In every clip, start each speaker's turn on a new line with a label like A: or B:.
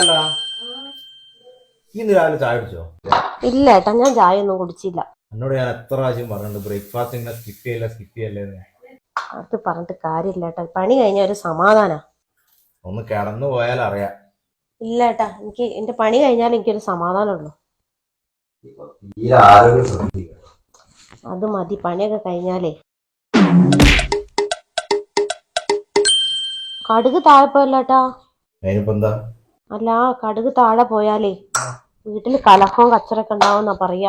A: അല്ല ഇന്ന് രാവിലെ ചായ കുടിച്ചോ?
B: ഇല്ല ഏട്ടാ, ഞാൻ ചായ ഒന്നും കുടിച്ചില്ല.
A: എന്നോട് ഞാൻ എത്ര പ്രാവശ്യം പറഞ്ഞിട്ടുണ്ട് ബ്രേക്ക്ഫാസ്റ്റ് ഇങ്ങനെ സ്കിപ്പ് ചെയ്യല്ലേ.
B: അത് പറഞ്ഞിട്ട് കാര്യമില്ല ഏട്ടാ, പണി കഴിഞ്ഞ ഒരു സമാധാനാ.
A: ഒന്ന് കിടന്നു പോയാൽ അറിയാം.
B: ഇല്ല ഏട്ടാ, എനിക്ക് എന്റെ പണി കഴിഞ്ഞാൽ എനിക്കൊരു സമാധാനമുള്ളൂ. അത് മതി, പണിയൊക്കെ കഴിഞ്ഞാലേ. കടുക് താഴെ പോയല്ലേട്ടാ.
A: എന്താ?
B: അല്ല, കടുക് താഴെ പോയാലേ വീട്ടില് കലഹവും കച്ചറൊക്കെ ഉണ്ടാവുന്നാ പറയാ.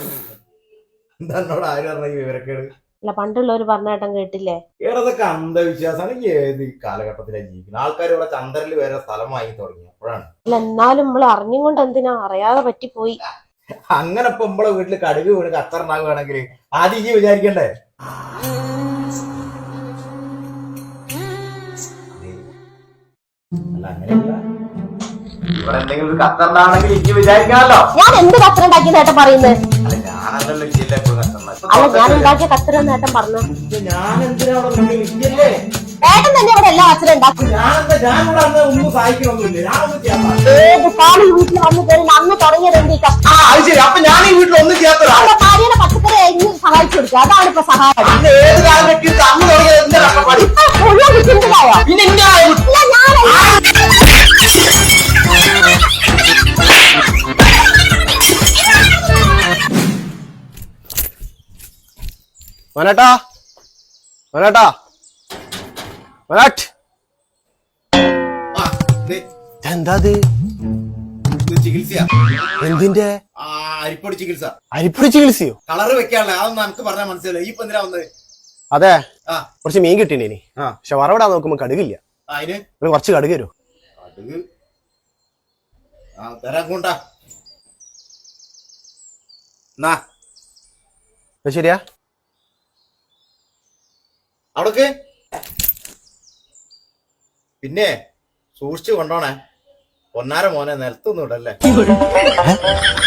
B: അല്ല, പണ്ടുള്ളവര് പറഞ്ഞേട്ടൻ കേട്ടില്ലേ?
A: ഏതൊക്കെ അന്ധവിശ്വാസമാണ്. ഏത് കാലഘട്ടത്തിലാണ് ജീവിക്കുന്നത്? ആൾക്കാർ ഇവിടെ ചന്ദ്രനിൽ വരെ സ്ഥലം വാങ്ങി തുടങ്ങി അപ്പോഴാണ്.
B: അല്ല, എന്നാലും നമ്മൾ അറിഞ്ഞുകൊണ്ട് എന്തിനാ, അറിയാതെ പറ്റിപ്പോയി.
A: അങ്ങനെ ഇപ്പൊ നമ്മളെ വീട്ടില് കടുക് വീണ് കച്ചറുണ്ടാകുകയാണെങ്കിൽ ആദ്യം ഇനി വിചാരിക്കണ്ടേ? അല്ല, അങ്ങനെയല്ല. ഇവിടെ എന്തെങ്കിലും ഒരു കച്ചറുണ്ടാണെങ്കിൽ ഇനി വിചാരിക്കാമല്ലോ.
B: ഞാൻ എന്ത് കച്ചറ ഉണ്ടാക്കിയ നേട്ടം പറയുന്നത്?
A: ഞാനല്ലല്ലോ ഇല്ല ഇപ്പൊ
B: അല്ല, ഞാൻ ഉണ്ടാക്കിയ കച്ചറ നേട്ടം പറഞ്ഞു.
A: ഞാൻ എന്തിനാ
B: ഏട്ടൻ തന്നെ ഇവിടെ എല്ലാ കച്ചറ ഉണ്ടാക്കും.
A: ഒന്നും സഹായിക്കണമൊന്നുമില്ല. ഞാനൊന്നും ചെയ്യാത്ത
B: ഏത് കാലം വീട്ടിൽ വന്നു കയറി അന്ന് തുടങ്ങിയത് എന്ത്?
A: അപ്പൊ ഞാൻ ഈ വീട്ടിൽ ഒന്നും ചെയ്യാത്ത
B: ഭാര്യയുടെ പച്ചക്കറി അരിഞ്ഞ് സഹായിച്ചു കൊടുക്കുക, അതാണ് ഇപ്പൊ സഹായം.
A: ഏത് കാലം അന്ന് തുടങ്ങിയത്
B: ചിന്തയായോ?
A: പിന്നെ
C: മനേട്ടാ, മനേട്ടാ, മനേട്ട്. എന്താ
A: ചികിത്സയാ?
C: എന്തിന്റെ?
A: അരിപ്പൊടി ചികിത്സ.
C: അരിപ്പൊടി ചികിത്സയോ?
A: കളറ് വെക്കാനുള്ള അതൊന്നും നമുക്ക് പറഞ്ഞാൽ മനസ്സിലായി. ഈ എന്തിനാ വന്നത്?
C: അതെ, കുറച്ച് മീൻ കിട്ടീനി. പക്ഷെ വറവിടാൻ നോക്കുമ്പോ കടുകില്ല.
A: അതിന്
C: കുറച്ച് കടുക് തരുമോ?
A: കടുക് തരാൻ കൊണ്ടാ.
C: ശരിയാ,
A: അവിടക്ക് പിന്നെ സൂക്ഷിച്ചു കൊണ്ടോണേ. പൊന്നാര മോനെ, നിലത്തൊന്നും ഇടല്ലേ.